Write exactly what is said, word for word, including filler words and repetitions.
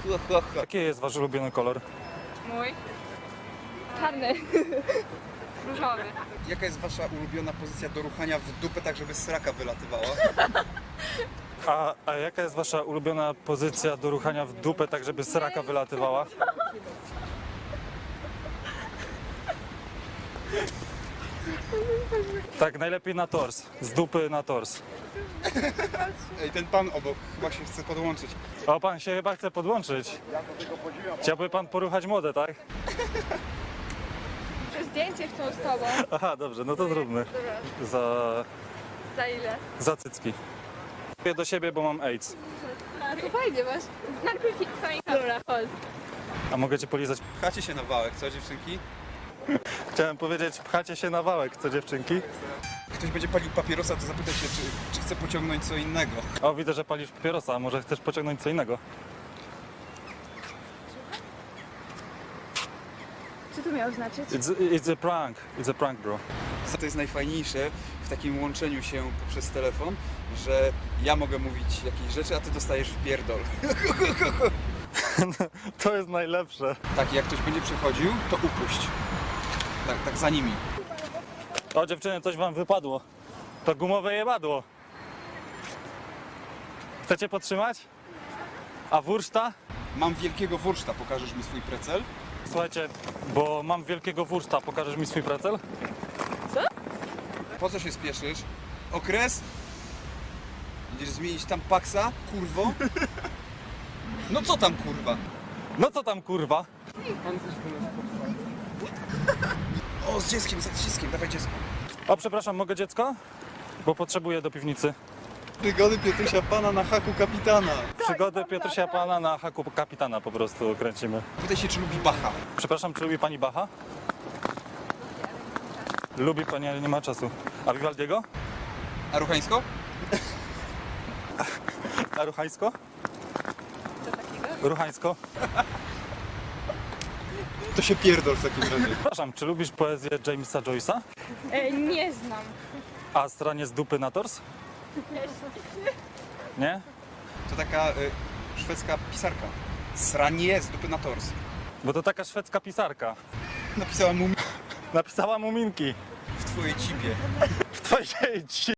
Ha, ha, ha. Jaki jest wasz ulubiony kolor? Mój? Czarny. Różowy. Jaka jest wasza ulubiona pozycja do ruchania w dupę, tak żeby sraka wylatywała? A, a jaka jest wasza ulubiona pozycja do ruchania w dupę, tak żeby sraka wylatywała? Tak, najlepiej na tors. Z dupy na tors. Ej, ten pan obok chyba się chce podłączyć. O, pan się chyba chce podłączyć. Chciałby pan poruchać młode, tak? Że zdjęcie chcą z tobą. Aha, dobrze, no to zróbmy. Za, Za ile? za cycki. Mówię do siebie, bo mam AIDS. To fajnie masz. Najpierw twoja kamera, chodź. A mogę cię polizać? Pchacie się na wałek, co dziewczynki? Chciałem powiedzieć, pchacie się na wałek, co dziewczynki? Ktoś będzie palił papierosa, to zapytaj się, czy, czy chce pociągnąć co innego. O, widzę, że palisz papierosa, a może chcesz pociągnąć co innego? Co to miało znaczyć? It's, it's a prank, it's a prank, bro. Co to jest najfajniejsze w takim łączeniu się poprzez telefon, że ja mogę mówić jakieś rzeczy, a ty dostajesz w pierdol. To jest najlepsze. Tak, jak ktoś będzie przychodził, to upuść. Tak, tak za nimi. O, dziewczyny, coś wam wypadło. To gumowe jebadło. Chcecie podtrzymać? A wurszta? Mam wielkiego wurszta, pokażesz mi swój precel? Słuchajcie, bo mam wielkiego wurszta, pokażesz mi swój precel? Po co się spieszysz? Okres? Idziesz zmienić tam paksa, kurwo? No co tam, kurwa? No co tam, kurwa? O, z dzieckiem, z dzieckiem, dawaj dziecko. O, przepraszam, mogę dziecko? Bo potrzebuję do piwnicy. Przygody Piotrusia Pana na haku kapitana. Przygody Piotrusia Pana na haku kapitana po prostu kręcimy. Pytaj się, czy lubi Bacha. Przepraszam, czy lubi pani Bacha? Lubi pani, ale nie ma czasu. A Vivaldiego? A Ruchańsko? A Ruchańsko? Co takiego? Ruchańsko? To się pierdol w takim razie. Przepraszam, czy lubisz poezję Jamesa Joyce'a? E, nie znam. A stranie z dupy na tors? Nie? To taka y, szwedzka pisarka. Sranie z dupy na tors. Bo to taka szwedzka pisarka. Napisała mu Napisała muminki w twojej cipie. w twojej ci